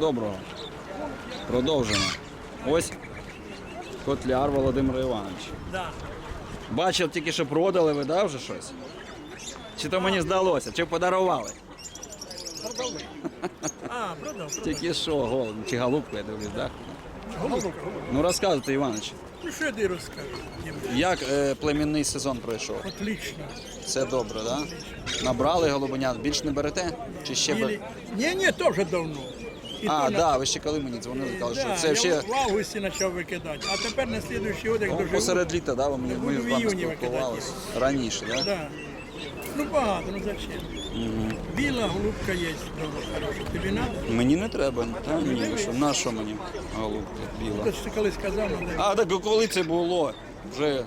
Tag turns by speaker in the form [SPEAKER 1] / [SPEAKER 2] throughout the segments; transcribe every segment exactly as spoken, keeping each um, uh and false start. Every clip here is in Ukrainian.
[SPEAKER 1] доброго. Продовжимо. Ось Котляр Володимир Іванович.
[SPEAKER 2] Да.
[SPEAKER 1] Бачив тільки, що продали ви, да, вже щось? Чи то мені здалося, чи подарували?
[SPEAKER 2] Продали. А, продав.
[SPEAKER 1] Тільки що, голуб, чи голубку, я дивлюсь, так?
[SPEAKER 2] Голубка, голубка.
[SPEAKER 1] Ну розказуйте, Іванович,
[SPEAKER 2] Ну що я тобі розкажу?
[SPEAKER 1] як е, племінний сезон пройшов?
[SPEAKER 2] Отлично.
[SPEAKER 1] Все добре, так? Да? Набрали голубенят, більш не берете? Чи ще бер...
[SPEAKER 2] Ілі... Ні, ні, то вже давно. І
[SPEAKER 1] А,
[SPEAKER 2] то
[SPEAKER 1] так,
[SPEAKER 2] на-
[SPEAKER 1] да, ви ще коли мені дзвонили, казали, що
[SPEAKER 2] Да,
[SPEAKER 1] це
[SPEAKER 2] я
[SPEAKER 1] ще
[SPEAKER 2] в августі почав викидати, а тепер на слідуючий год, як
[SPEAKER 1] ну,
[SPEAKER 2] доживу.
[SPEAKER 1] посеред літа, да, ви мені- ми
[SPEAKER 2] буду
[SPEAKER 1] з
[SPEAKER 2] в
[SPEAKER 1] вами
[SPEAKER 2] іюні викидати.
[SPEAKER 1] спілкувалися. Раніше, так? Да?
[SPEAKER 2] Да. Ну багато, ну зачем? Біла голубка є, добре, хороша. Тобі треба?
[SPEAKER 1] Мені не треба. Та ні, ви що, на що мені голубка біла?
[SPEAKER 2] Ти ж ти колись казав, ну, де?
[SPEAKER 1] А, так коли це було? Вже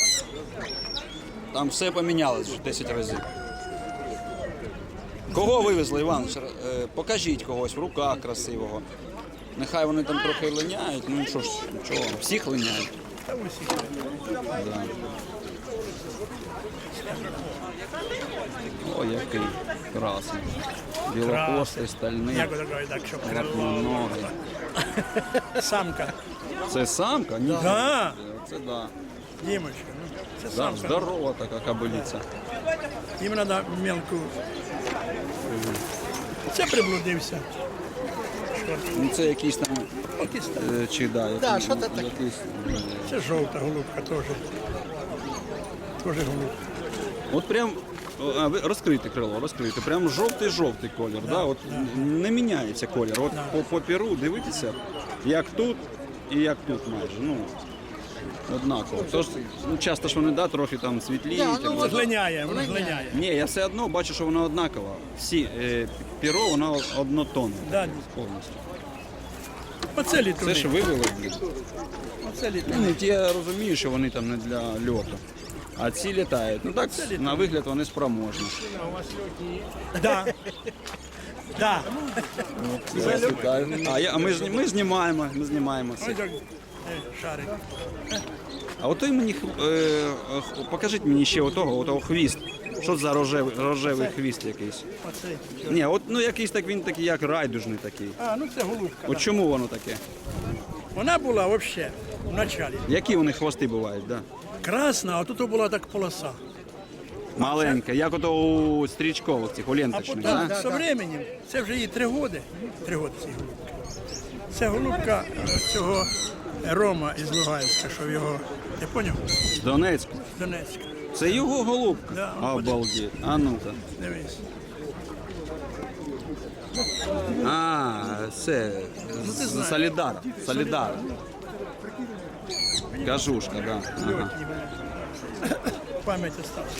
[SPEAKER 1] там все помінялось вже десять разів. Кого вивезли, Іванович? Е, Покажіть когось в руках красивого. Нехай вони там трохи линяють, ну що ж, нічого, всіх линяють.
[SPEAKER 2] Та усі.
[SPEAKER 1] Да. О, який красний. Білохвостий, стальний,
[SPEAKER 2] Як ото кажуть, так, щоб крило.
[SPEAKER 1] лапноногий.
[SPEAKER 2] Самка.
[SPEAKER 1] Це самка? Ні.
[SPEAKER 2] Да.
[SPEAKER 1] Це да.
[SPEAKER 2] Дімочка, ну, це
[SPEAKER 1] Да,
[SPEAKER 2] самка.
[SPEAKER 1] здорова така кобилиця.
[SPEAKER 2] Їм треба мелку. Це приблудився.
[SPEAKER 1] Ну це якийсь там,
[SPEAKER 2] Якийсь там.
[SPEAKER 1] е, чи да, якийсь,
[SPEAKER 3] Да, що це таке?
[SPEAKER 1] якийсь,
[SPEAKER 2] Це жовта голубка теж. Теж голубка.
[SPEAKER 1] от прям, а, ви розкрийте крило, розкрийте, прям жовтий-жовтий колір, да, от не міняється колір. От по, по перу дивитися, як тут і як тут майже, ну, однаково. Тож, ну, часто ж вони, да, трохи там світліють.
[SPEAKER 3] Да, ну,
[SPEAKER 1] або-
[SPEAKER 2] Воно глиняє, воно глиняє.
[SPEAKER 1] Ні, я все одно бачу, що воно однаково. Всі, е, перо, воно однотонне
[SPEAKER 2] Да.
[SPEAKER 1] повністю.
[SPEAKER 2] Оце
[SPEAKER 1] Це
[SPEAKER 2] літуни.
[SPEAKER 1] ж вивели, блін.
[SPEAKER 2] Оце літуни.
[SPEAKER 1] Ну, ті, я розумію, що вони там не для льоту. А ці літають. Ну так, на вигляд вони спроможні.
[SPEAKER 2] Да. Да.
[SPEAKER 1] Зараз літають. А, я, а ми, ж, ми знімаємо, ми знімаємо це.
[SPEAKER 2] Ось так. Е, шарик.
[SPEAKER 1] А от той мені, е, е, покажіть мені ще отого, отого хвіст. Що за рожевий, рожевий хвіст якийсь?
[SPEAKER 2] Оце.
[SPEAKER 1] Ні, от ну якийсь так він такий, як райдужний такий.
[SPEAKER 2] А, ну це голубка.
[SPEAKER 1] От чому воно таке?
[SPEAKER 2] Вона була взагалі в началі.
[SPEAKER 1] Які вони хвости бувають, да?
[SPEAKER 2] Красна, а тут була так полоса.
[SPEAKER 1] Маленька, як ото у стрічкових цих, у
[SPEAKER 2] А
[SPEAKER 1] ленточних,
[SPEAKER 2] потім,
[SPEAKER 1] да?
[SPEAKER 2] з временем, це вже їй три роки. Три роки цій голубки. Це голубка е, цього Рома із Луганська, що його, ти поняв?
[SPEAKER 1] З Донецьку.
[SPEAKER 2] З Донецька.
[SPEAKER 1] Це його голубка?
[SPEAKER 2] Да,
[SPEAKER 1] Обалдеть. А ну-ка.
[SPEAKER 2] Дивись.
[SPEAKER 1] А, це з Солідара. Солідар. Кажушка, да. Ага.
[SPEAKER 2] Пам'ять осталась.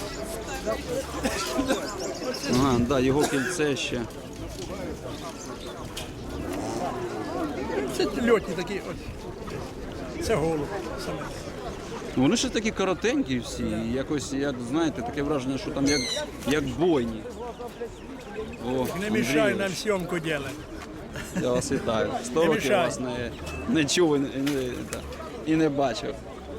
[SPEAKER 1] Ага, да, його кільце ще.
[SPEAKER 2] Це льотні такі. От. Це голуб саме.
[SPEAKER 1] Вони ще такі коротенькі всі, і якось, як знаєте, таке враження, що там як, як бойні. О,
[SPEAKER 2] Не мішай
[SPEAKER 1] Андрійович,
[SPEAKER 2] нам зйомку робити.
[SPEAKER 1] я вас вітаю. Сто
[SPEAKER 2] Не
[SPEAKER 1] років
[SPEAKER 2] мішай.
[SPEAKER 1] вас не, не чув і не, і не- та, і не бачив.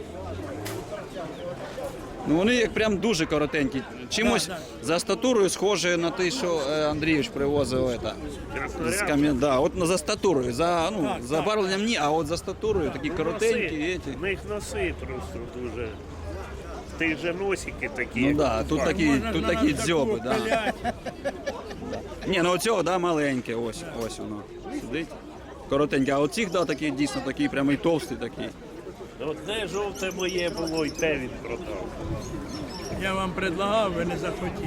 [SPEAKER 1] Ну вони як прям дуже коротенькі. Чимось
[SPEAKER 2] Да,
[SPEAKER 1] за статурою схоже на те, що е, Андрійович привозив это, з кам'я... да, от за статурою, за, ну,
[SPEAKER 2] Так,
[SPEAKER 1] за
[SPEAKER 2] так.
[SPEAKER 1] барвленням ні, а от за статурою такі коротенькі.
[SPEAKER 4] Носи,
[SPEAKER 1] Эти.
[SPEAKER 4] в них носи просто дуже. Ти же носики такі.
[SPEAKER 1] Ну да, тут такі,
[SPEAKER 2] Можна
[SPEAKER 1] тут
[SPEAKER 2] на
[SPEAKER 1] такі
[SPEAKER 2] нас
[SPEAKER 1] дзьоби,
[SPEAKER 2] таку
[SPEAKER 1] да.
[SPEAKER 2] пилять.
[SPEAKER 1] Ні, ну оцього, да, маленьке, ось, ось воно. Сидить. Коротеньке, а оцих, да, такі дійсно такі, прямо і товсті такі.
[SPEAKER 4] Одне жовте моє було, і те він продав.
[SPEAKER 2] Я вам предлагав, ви не захотіли.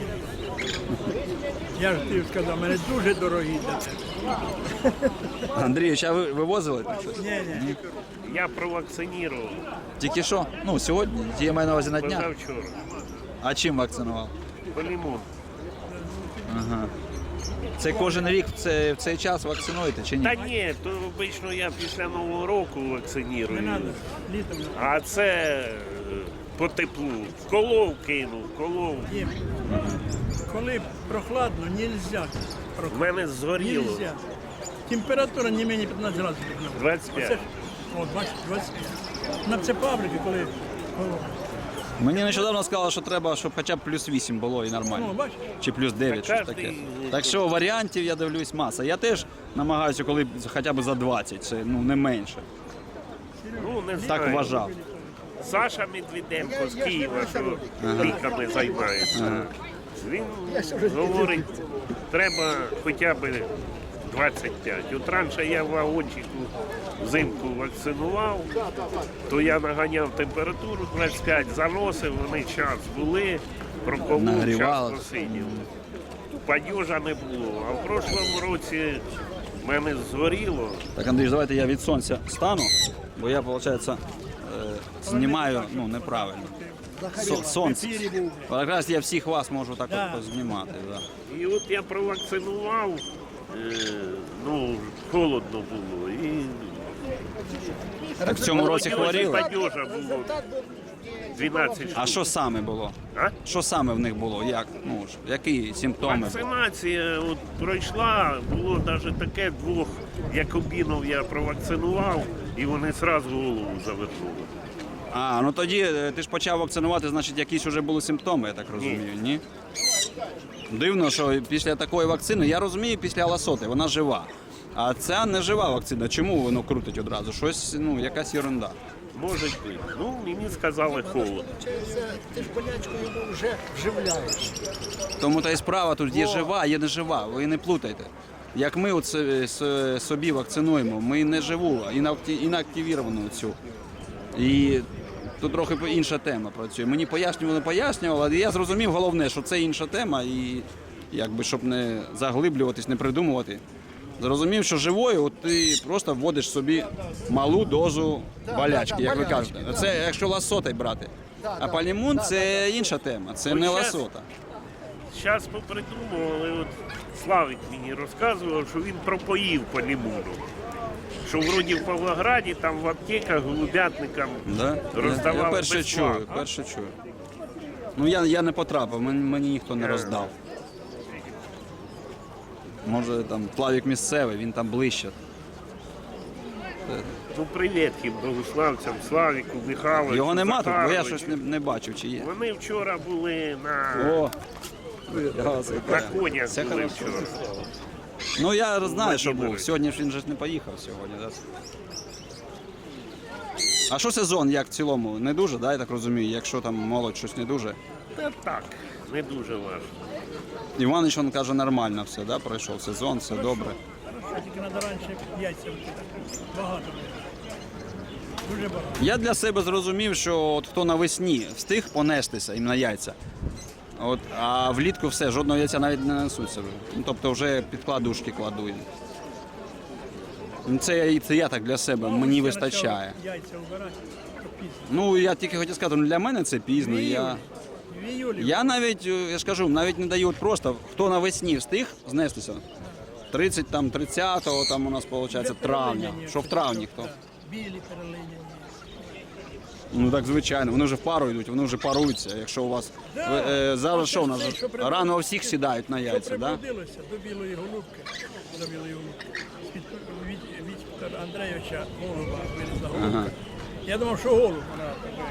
[SPEAKER 2] Я ж тобі сказав, мене дуже дорогі для тебе.
[SPEAKER 1] Андрійович, а ви вивозили там щось?
[SPEAKER 2] Ні, ні.
[SPEAKER 4] Я провакцинував
[SPEAKER 1] Тільки що? Ну, сьогодні, я маю на увазі на дня.
[SPEAKER 4] позавчора.
[SPEAKER 1] А чим вакцинував?
[SPEAKER 4] Полімон.
[SPEAKER 1] Ага. Це кожен рік в цей, в цей час вакцинуєте чи ні?
[SPEAKER 4] Та ні, то обично я після Нового року
[SPEAKER 2] Не
[SPEAKER 4] вакциную.
[SPEAKER 2] треба. Літом.
[SPEAKER 4] А це е, по теплу. Колов кинув, колов.
[SPEAKER 2] Дім. Коли прохладно, нельзя.
[SPEAKER 4] В мене згоріло.
[SPEAKER 2] Нельзя. Температура не менше п'ятнадцять градусів.
[SPEAKER 4] двадцять п'ять.
[SPEAKER 2] Оце ж- О, бачиш, двадцять п'ять. На це фабрики, коли холодно.
[SPEAKER 1] Мені нещодавно сказали, що треба, щоб хоча б плюс вісім було і нормально.
[SPEAKER 2] Ну, бачиш?
[SPEAKER 1] Чи плюс дев'ять, щось
[SPEAKER 4] кожний-
[SPEAKER 1] таке. Так що варіантів я дивлюсь маса. Я теж намагаюся, коли хоча б за двадцять, це ну не менше.
[SPEAKER 4] Ну, не
[SPEAKER 1] Так
[SPEAKER 4] знаю.
[SPEAKER 1] вважав.
[SPEAKER 4] Саша Медведенко з Києва, що ліками займається. Він говорить, треба хоча б двадцять п'ять. От раніше я в вагончику взимку вакцинував, то я наганяв температуру двадцять п'ять, заносив, вони час були, проколов, час
[SPEAKER 1] Нагрівали.
[SPEAKER 4] посидів. Падежа не було. А в прошлому році в мене згоріло.
[SPEAKER 1] Так, Андрій, давайте я від сонця стану, бо я, виходить, е, знімаю ну, неправильно. Со- сонце. Якраз я всіх вас можу так
[SPEAKER 2] Да.
[SPEAKER 1] от знімати. Да.
[SPEAKER 4] І от я провакцинував, е, ну, холодно було. І
[SPEAKER 1] Так в цьому році хворіли.
[SPEAKER 4] падежа було дванадцять штук.
[SPEAKER 1] А що саме було?
[SPEAKER 4] А?
[SPEAKER 1] Що саме в них було? Як? Ну, ж, які симптоми були?
[SPEAKER 4] Вакцинація от пройшла, було навіть таке двох якобінов я провакцинував, і вони одразу голову завернули.
[SPEAKER 1] А, ну тоді е, ти ж почав вакцинувати, значить якісь вже були симптоми, я так розумію, ні? Дивно, що після такої вакцини, я розумію, після ласоти, вона жива. А ця не жива вакцина. Чому воно крутить одразу? Щось, ну, якась ерунда.
[SPEAKER 4] Може бути. Ну, мені сказали холодно.
[SPEAKER 3] Ти ж болячку йому вже вживляєш.
[SPEAKER 1] Тому та й справа тут є жива, є не жива. Ви не плутайте. Як ми от с- с- собі вакцинуємо, ми не живу, інакті- інактивіровану цю. І тут трохи інша тема працює. Мені пояснювали, пояснювали, але я зрозумів головне, що це інша тема, і якби щоб не заглиблюватись, не придумувати. Зрозумів, що живою от ти просто вводиш собі малу дозу болячки, як ви кажете. Це якщо ласотай брати. А палімун це інша тема, це не ласота.
[SPEAKER 4] Зараз попридумували, от Славик мені розказував, що він пропоїв по лімону. Що вроді в Павлограді, там в аптеках, голубятникам
[SPEAKER 1] Да? Я,
[SPEAKER 4] роздавали
[SPEAKER 1] я перше
[SPEAKER 4] безплатно.
[SPEAKER 1] чую, перше чую. Ну я, я не потрапив, мені, мені ніхто не роздав. Може там Плавік місцевий, він там ближче.
[SPEAKER 4] Ну, привіт їм, богославцям, Славіку, Михайловичу,
[SPEAKER 1] Його нема тут, бо я
[SPEAKER 4] Захаровичу.
[SPEAKER 1] щось не, не бачив, чи є.
[SPEAKER 4] Вони вчора були на,
[SPEAKER 1] О!
[SPEAKER 4] на конях
[SPEAKER 1] Це
[SPEAKER 4] були
[SPEAKER 1] хорошо.
[SPEAKER 4] вчора.
[SPEAKER 1] Ну я знаю, що був.
[SPEAKER 4] Владимирович.
[SPEAKER 1] Сьогодні ж він же ж не поїхав сьогодні. Да? А що сезон, як в цілому? Не дуже, да, я так розумію, якщо там молодь щось не дуже.
[SPEAKER 4] Та так, не дуже важко.
[SPEAKER 1] Іванич, він каже, нормально все, да? Пройшов сезон, все добре.
[SPEAKER 2] Хорошо, тільки треба раніше яйця викидати. Багато. Дуже багато.
[SPEAKER 1] Я для себе зрозумів, що от хто навесні встиг понестися їм на яйця, от, а влітку все, жодного яйця навіть не несуться. вже. Ну, тобто вже підкладушки кладу їм. Ну, Це, я- це я так для себе, мені
[SPEAKER 2] Ще
[SPEAKER 1] вистачає.
[SPEAKER 2] почав яйця вбирати, то пізно.
[SPEAKER 1] Ну, я тільки хотів сказати, ну, для мене це пізно. Я,
[SPEAKER 2] В іюлі.
[SPEAKER 1] я навіть, е, я ж кажу, навіть не даю от просто, хто навесні встиг знестися. тридцять, там, тридцятого, там у нас, виходить, травня. Що в травні хто?
[SPEAKER 2] Білі перелиняні.
[SPEAKER 1] Ну так звичайно, вони вже в пару йдуть, вони вже паруються. Якщо у вас ви, е, зараз що у нас
[SPEAKER 2] Що при-
[SPEAKER 1] рано у всіх сідають на
[SPEAKER 2] Що
[SPEAKER 1] яйця, да?
[SPEAKER 2] прибудилося до білої голубки, до білої голубки, від, від, Віктора Андрійовича голуба вилізла голубка.
[SPEAKER 1] Ага.
[SPEAKER 2] Я думав, що голуб вона.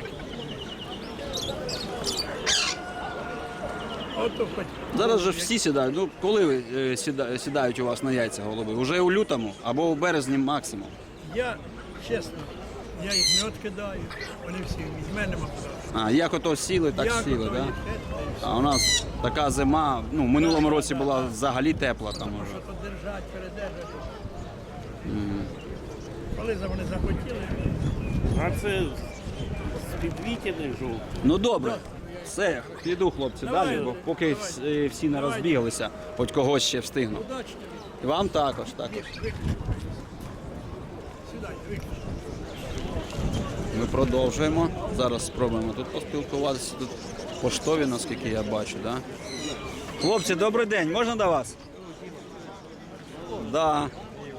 [SPEAKER 2] Ото хоч.
[SPEAKER 1] Зараз же всі сідають. Ну коли ви е, сіда- сідають у вас на яйця голуби? Уже у лютому або у березні максимум.
[SPEAKER 2] Я, чесно, я їх мед кидаю, вони всі від мене кидаю.
[SPEAKER 1] А як ото сіли, так
[SPEAKER 2] Як
[SPEAKER 1] сіли,
[SPEAKER 2] ото
[SPEAKER 1] да?
[SPEAKER 2] їх, е,
[SPEAKER 1] А у нас така зима, ну в минулому році була взагалі тепла там уже.
[SPEAKER 2] Що то держать, передержати. Коли за вони захотіли,
[SPEAKER 4] А це з підвітяних жовтих.
[SPEAKER 1] Ну добре. Все, піду, хлопці,
[SPEAKER 2] Давай,
[SPEAKER 1] далі, бо поки
[SPEAKER 2] давай.
[SPEAKER 1] всі- всі не розбіглися, хоч когось ще встигну.
[SPEAKER 2] удачі тобі.
[SPEAKER 1] І вам також, також.
[SPEAKER 2] Сідай, виключи.
[SPEAKER 1] Ми продовжуємо. Зараз спробуємо тут поспілкуватися. Тут поштові, наскільки я бачу, да? Хлопці, добрий день, можна до вас? Да.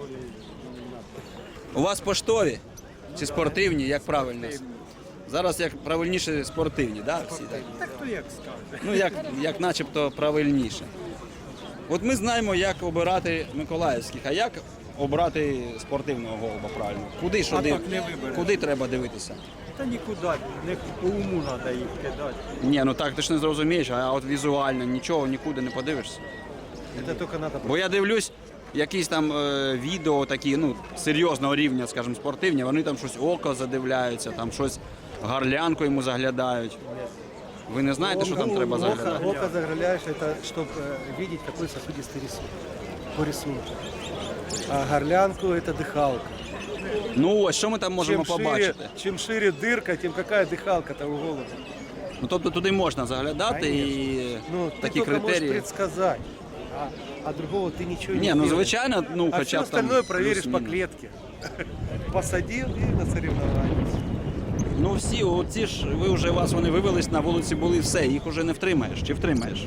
[SPEAKER 1] У вас поштові чи спортивні, як правильно? Зараз як правильніше спортивні, да? Всі так?
[SPEAKER 3] Так то як скажеш.
[SPEAKER 1] Ну, як, як начебто правильніше. От ми знаємо, як обирати миколаївських, а як обрати спортивного голуба правильно? Куди що
[SPEAKER 3] А
[SPEAKER 1] див...
[SPEAKER 3] так не вибереш.
[SPEAKER 1] Куди треба дивитися?
[SPEAKER 5] Та нікуди, не по уму треба їх кидати.
[SPEAKER 1] Ні, ну так ти ж не зрозумієш, а от візуально нічого нікуди не подивишся.
[SPEAKER 3] Это только надо...
[SPEAKER 1] Бо я дивлюсь, якісь там е, відео такі, ну, серйозного рівня, скажімо, спортивні, вони там щось око задивляються, там щось горлянку йому заглядають. Ви не знаєте, що там треба заглядати?
[SPEAKER 3] Око заглядаешь, это чтобы видеть, какой сосудистый рисунок. По рисунку. А горлянку это дыхалка.
[SPEAKER 1] Ну ось, що ми там можемо
[SPEAKER 3] Чем шире,
[SPEAKER 1] побачити?
[SPEAKER 3] чем шире дырка, тем какая дыхалка-то у голубя.
[SPEAKER 1] Ну, тобто туди можна заглядати і
[SPEAKER 3] Ну,
[SPEAKER 1] такі
[SPEAKER 3] ты только можешь
[SPEAKER 1] критерії.
[SPEAKER 3] предсказать, а, а другого ты ничего не
[SPEAKER 1] Ні, ну
[SPEAKER 3] сделаешь.
[SPEAKER 1] звичайно, ну
[SPEAKER 3] А
[SPEAKER 1] хоча
[SPEAKER 3] все
[SPEAKER 1] б там.
[SPEAKER 3] остальное проверишь по
[SPEAKER 1] плюс-мінус.
[SPEAKER 3] клетке. Посадил и на соревнования.
[SPEAKER 1] Ну всі, оці ж, ви вже вас вони вивелись на вулиці, були все, їх вже не втримаєш. Чи втримаєш?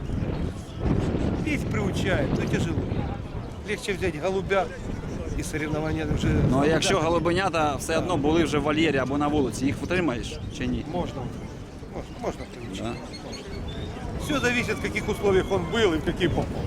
[SPEAKER 3] Петь приучает, но тяжело. Легче взять голубя и соревнования уже...
[SPEAKER 1] Ну а якщо голубенята все одно були вже в вольєрі або на вулиці, їх втримаєш чи ні?
[SPEAKER 3] Можно, можно, можно приучить.
[SPEAKER 1] Да.
[SPEAKER 3] Все зависит, в каких условиях он был и в какие попал.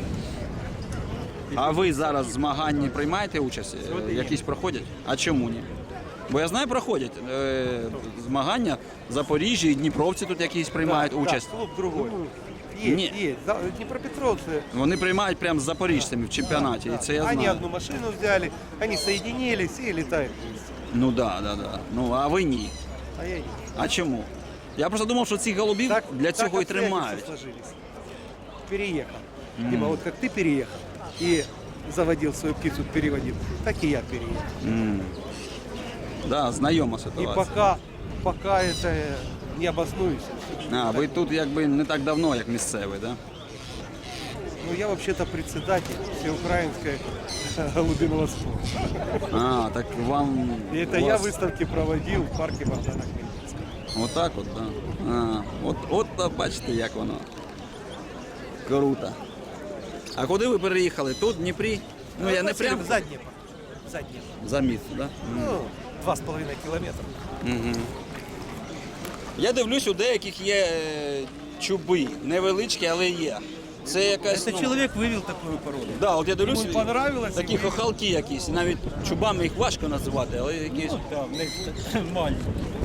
[SPEAKER 1] А ви зараз в змаганні приймаєте участь? Е, Якісь проходять? А чому ні? Бо я знаю, проходять е, змагання в Запоріжжі, і дніпровці тут якісь приймають
[SPEAKER 3] Да,
[SPEAKER 1] участь.
[SPEAKER 3] Да, клуб другой. Есть,
[SPEAKER 1] Не.
[SPEAKER 3] есть. Да, Днепропетровцы.
[SPEAKER 1] Вони приймають прямо з запоріжцями в чемпіонаті, і це я
[SPEAKER 3] Они
[SPEAKER 1] знаю.
[SPEAKER 3] одну машину взяли, они соединились и летают вместе.
[SPEAKER 1] Ну да, да, да. Ну а ви ні.
[SPEAKER 3] А я нет.
[SPEAKER 1] А чому? Я просто думав, що цих голубів для цього і тримають.
[SPEAKER 3] сложились. Переехал. Дима, вот как ты переехал и заводил свою птицу, переводил, так и я переехал.
[SPEAKER 1] М. Да, знайома
[SPEAKER 3] И
[SPEAKER 1] ситуація.
[SPEAKER 3] пока, пока это не обоснуюсь.
[SPEAKER 1] А, ви тут якби не так давно, як місцевий, да?
[SPEAKER 3] Ну, я вообще-то председатель всеукраинской голубиного спорта.
[SPEAKER 1] А, так вам...
[SPEAKER 3] И это
[SPEAKER 1] у
[SPEAKER 3] я
[SPEAKER 1] вас-
[SPEAKER 3] выставки проводил в парке Богдана Хмельницкого.
[SPEAKER 1] Отак от, да. А, от, от та бачите, як воно. Круто. А куди ви переїхали? Тут, в Дніпрі? Ну я не прям
[SPEAKER 3] За Днепр. За Днепр.
[SPEAKER 1] за міст, да?
[SPEAKER 3] Ну, два с половиной километра.
[SPEAKER 1] Угу. Я дивлюсь, у деяких є е, чуби, невеличкі, але є. Це якась.
[SPEAKER 3] Это
[SPEAKER 1] ну,
[SPEAKER 3] человек вывел такую породу.
[SPEAKER 1] Да, от я дивлюсь,
[SPEAKER 3] Йому понравилось,
[SPEAKER 1] такі
[SPEAKER 3] і ви-
[SPEAKER 1] хохалки якісь, навіть чубами їх важко називати, але якісь.
[SPEAKER 5] Так, в них маленькі.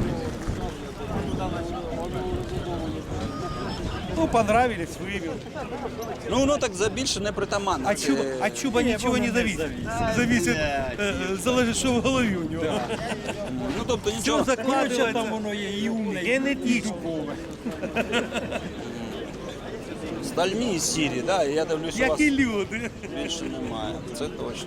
[SPEAKER 3] Ну, понравились, вывел.
[SPEAKER 1] Ну воно так за більше не притаманне.
[SPEAKER 3] А
[SPEAKER 1] Це-
[SPEAKER 3] чуба, а чуба ничего не
[SPEAKER 5] воно не
[SPEAKER 3] зависит.
[SPEAKER 5] зависит.
[SPEAKER 3] Зависит,
[SPEAKER 5] Блядь.
[SPEAKER 3] э, залежит, что в голове у него.
[SPEAKER 1] Ну тобто
[SPEAKER 3] Все
[SPEAKER 1] нічого.
[SPEAKER 5] Короче, там
[SPEAKER 3] закладывается.
[SPEAKER 5] воно є і умне, і
[SPEAKER 3] Генетично.
[SPEAKER 5] дубове.
[SPEAKER 1] Стальні і сірі, да, і я дивлюсь, у
[SPEAKER 3] Як
[SPEAKER 1] вас
[SPEAKER 3] і люди.
[SPEAKER 1] більше немає. Це точно.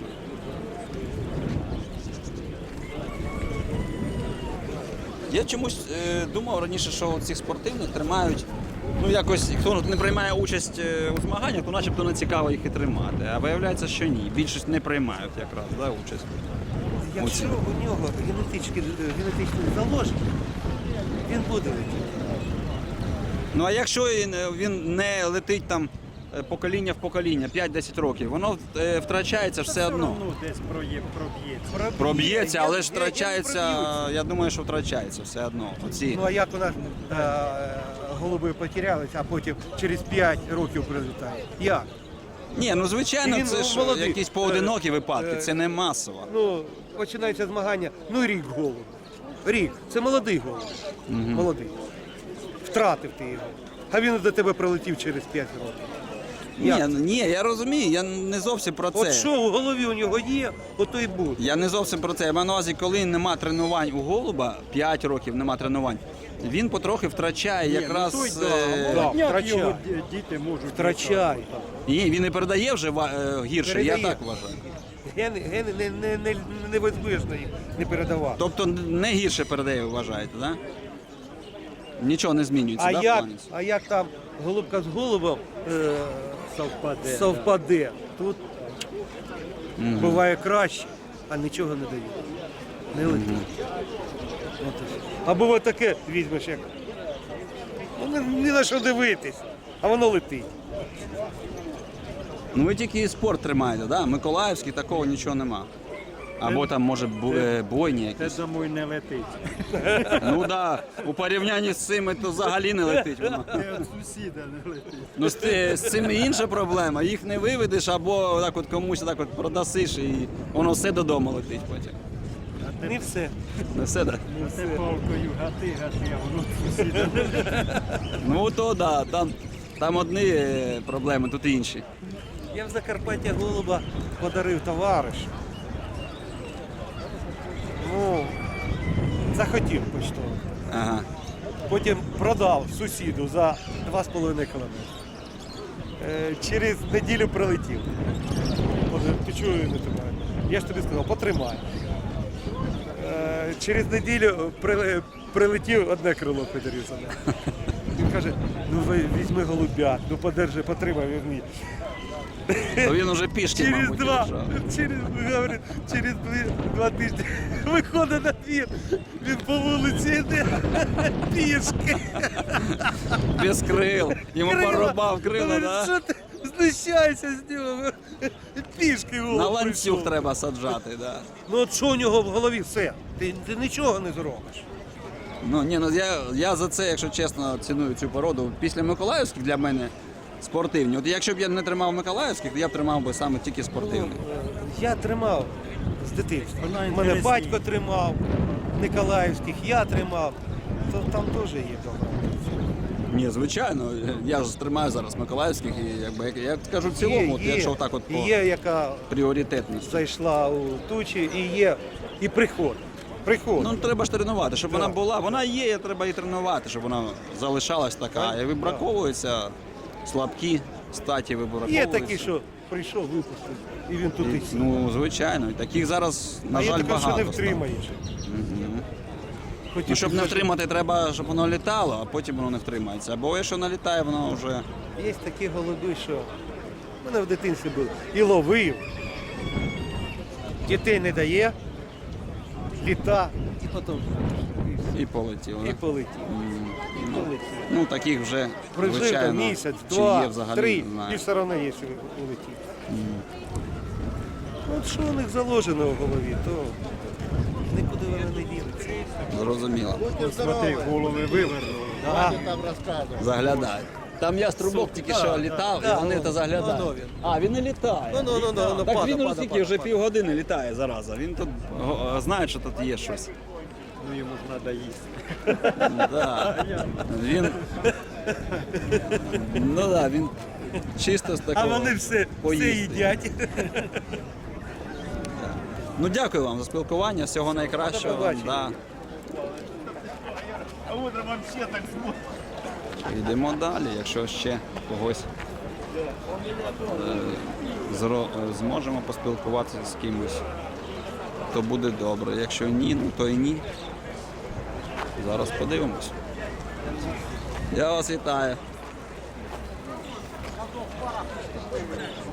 [SPEAKER 1] Я чомусь е, думав раніше, що цих спортивних тримають. Ну якось хто не приймає участь е, у змаганнях, то начебто не цікаво їх і тримати. А виявляється, що ні. Більшість не приймають якраз да, участь.
[SPEAKER 3] Якщо у нього генетичні, генетичні заложення, він буде летіти.
[SPEAKER 1] Ну а якщо він, він не летить там е, покоління в покоління, п'ять-десять років, воно е, втрачається все одно.
[SPEAKER 5] Ну, десь проє- проб'ється.
[SPEAKER 1] Проб'ється, але ж
[SPEAKER 3] Я- я- я не
[SPEAKER 1] втрачається,
[SPEAKER 3] проб'ються.
[SPEAKER 1] я думаю, що втрачається все одно. Оці.
[SPEAKER 3] Ну а як у нас е, голуби потерялись, а потім через п'ять років прилітають? Як?
[SPEAKER 1] Ні, ну звичайно,
[SPEAKER 3] Він,
[SPEAKER 1] це
[SPEAKER 3] ну,
[SPEAKER 1] ж
[SPEAKER 3] молодий.
[SPEAKER 1] якісь поодинокі
[SPEAKER 3] Е,
[SPEAKER 1] випадки,
[SPEAKER 3] е,
[SPEAKER 1] це не масово.
[SPEAKER 3] Ну, починається змагання, ну рік голуб. Рік. Це молодий голуб. Молодий. Втратив ти його. А він до тебе прилетів через п'ять років.
[SPEAKER 1] Ні,
[SPEAKER 3] Як?
[SPEAKER 1] ну, ні, я розумію, я не зовсім про це.
[SPEAKER 3] От що в голові у нього є, ото й буде.
[SPEAKER 1] Я не зовсім про це. Я маю на увазі, коли нема тренувань у голуба, п'ять років нема тренувань, він потрохи втрачає якраз.
[SPEAKER 5] Ну, той,
[SPEAKER 1] е,
[SPEAKER 5] да, молодняк
[SPEAKER 3] втрачає.
[SPEAKER 5] його ді- діти можуть.
[SPEAKER 3] Втрачає.
[SPEAKER 1] Ні, він не передає вже ва- е, гірше,
[SPEAKER 3] Передає.
[SPEAKER 1] я так вважаю.
[SPEAKER 3] Гени, гени не, не, не, невозможно їх не передавати.
[SPEAKER 1] Тобто не гірше передає, ви вважаєте, так? Да? Нічого не змінюється,
[SPEAKER 3] А
[SPEAKER 1] да, в
[SPEAKER 3] як,
[SPEAKER 1] плані?
[SPEAKER 3] а як там голубка з голубом е,
[SPEAKER 5] Совпаде.
[SPEAKER 3] совпаде, тут буває краще, а нічого не дає. Не летить. От і все. Або от таке візьмеш, як ну, ні- ні на що дивитись, а воно летить.
[SPEAKER 1] Ну ви тільки спорт тримаєте, да? Миколаївський такого нічого нема. Або там може бу- е, бойні
[SPEAKER 5] Це,
[SPEAKER 1] якісь.
[SPEAKER 5] думаю, не летить.
[SPEAKER 1] Ну так, да, у порівнянні з цими то взагалі не летить воно.
[SPEAKER 5] Це від сусіда не летить.
[SPEAKER 1] Ну з, ти- з цими інша проблема. Їх не виведеш або так от комусь так от продасиш і воно все додому летить потім.
[SPEAKER 3] Не все.
[SPEAKER 1] Не все, так?
[SPEAKER 5] Це палкою гати, гати, а воно сусіда.
[SPEAKER 1] Ну то да, там, там одні е, проблеми, тут інші.
[SPEAKER 3] Я в Закарпаття голуба подарив товаришу. Ну, захотів почтово.
[SPEAKER 1] Ага.
[SPEAKER 3] Потім продав сусіду за два з половиною кілометри. Е, через неділю прилетів. Каже, ти чого не тримаєш? Я ж тобі сказав, потримай. Е, через неділю при, прилетів, одне крило подарив за мене. Він каже, ну ви візьми голубят, ну подержи, потримай візьми.
[SPEAKER 1] То він уже пішки,
[SPEAKER 3] Через
[SPEAKER 1] мабуть,
[SPEAKER 3] два,
[SPEAKER 1] лежав.
[SPEAKER 3] через, говорить, через дві, два тижні виходить на двір, він по вулиці йде пішки.
[SPEAKER 1] Без крил. Йому
[SPEAKER 3] Крила.
[SPEAKER 1] порубав крила,
[SPEAKER 3] Говорить,
[SPEAKER 1] да?
[SPEAKER 3] що ти знущаєшся з нього? Пішки голуб
[SPEAKER 1] На ланцюг
[SPEAKER 3] прийшов.
[SPEAKER 1] треба саджати, да.
[SPEAKER 3] Ну от що у нього в голові все? Ти, ти нічого не зробиш.
[SPEAKER 1] Ну ні, ну я, я за це, якщо чесно, ціную цю породу. Після Миколаївських для мене спортивні. От якщо б я не тримав Миколаївських, то я б тримав би саме тільки спортивних.
[SPEAKER 3] Я тримав з дитинства.
[SPEAKER 5] Вона
[SPEAKER 3] У мене
[SPEAKER 5] інтересніше.
[SPEAKER 3] батько тримав, Николаївських, я тримав. То там теж є добре.
[SPEAKER 1] Ні, звичайно, я ж тримаю зараз Миколаївських і якби як я скажу в цілому, от, якщо так от по
[SPEAKER 3] є, яка
[SPEAKER 1] пріоритетності.
[SPEAKER 3] зайшла у тучі, і є і приход. Приход.
[SPEAKER 1] Ну треба ж тренувати, щоб
[SPEAKER 3] Так.
[SPEAKER 1] вона була. Вона є, треба її тренувати, щоб вона залишалась така. І вибраковуються слабкі статі вибраковуються.
[SPEAKER 3] Є такі, що прийшов, випустив, і він тут і
[SPEAKER 1] І,
[SPEAKER 3] сів.
[SPEAKER 1] ну, звичайно, і таких зараз, на
[SPEAKER 3] А є
[SPEAKER 1] жаль,
[SPEAKER 3] таке, що
[SPEAKER 1] багато.
[SPEAKER 3] не
[SPEAKER 1] стало.
[SPEAKER 3] втримаєш. Хотів
[SPEAKER 1] Ну, щоб не
[SPEAKER 3] підважити.
[SPEAKER 1] втримати, треба, щоб воно літало, а потім воно не втримається. Або якщо налітає, воно вже.
[SPEAKER 3] Є такі голуби, що в мене в дитинстві був. І ловив, дітей не дає, літа, і потім
[SPEAKER 1] І полетіло.
[SPEAKER 3] і
[SPEAKER 1] да?
[SPEAKER 3] полетів.
[SPEAKER 1] М,
[SPEAKER 3] І
[SPEAKER 1] ну,
[SPEAKER 3] полетів.
[SPEAKER 1] Ну, таких вже,
[SPEAKER 3] Прожив там
[SPEAKER 1] звичайно,
[SPEAKER 3] місяць,
[SPEAKER 1] чи
[SPEAKER 3] два,
[SPEAKER 1] є взагалі,
[SPEAKER 3] три,
[SPEAKER 1] не знаю.
[SPEAKER 3] і все одно є, що улетів. От що у них заложено в голові, то нікуди воно не ділиться.
[SPEAKER 1] Зрозуміло.
[SPEAKER 5] Смотри, голови вивернули.
[SPEAKER 3] А,
[SPEAKER 1] Заглядай. Там я струбок тільки що літав,
[SPEAKER 3] да,
[SPEAKER 1] і вони
[SPEAKER 3] ну,
[SPEAKER 1] то заглядають.
[SPEAKER 3] ну, ну, він.
[SPEAKER 1] А, він не літає.
[SPEAKER 3] Ну, ну, ну, ну, ну,
[SPEAKER 1] Так
[SPEAKER 3] пада,
[SPEAKER 1] він уже
[SPEAKER 3] пада,
[SPEAKER 1] тільки
[SPEAKER 3] пада,
[SPEAKER 1] вже
[SPEAKER 3] пада.
[SPEAKER 1] півгодини літає, зараза. Він тут го- знає, що тут є щось.
[SPEAKER 5] Ну йому ж треба їсти.
[SPEAKER 1] Да. Він. Ну так, він чисто з
[SPEAKER 3] а
[SPEAKER 1] такого.
[SPEAKER 3] вони все, все
[SPEAKER 1] поїсти.
[SPEAKER 3] їдять.
[SPEAKER 1] Ну дякую вам за спілкування, всього найкращого.
[SPEAKER 3] До побачення.
[SPEAKER 1] Да.
[SPEAKER 3] А от вам ще так смотрить.
[SPEAKER 1] Йдемо далі, якщо ще когось е, зро- е, зможемо поспілкуватися з кимось, то буде добре. Якщо ні, ну то і ні. Зараз подивимось. Я вас вітаю.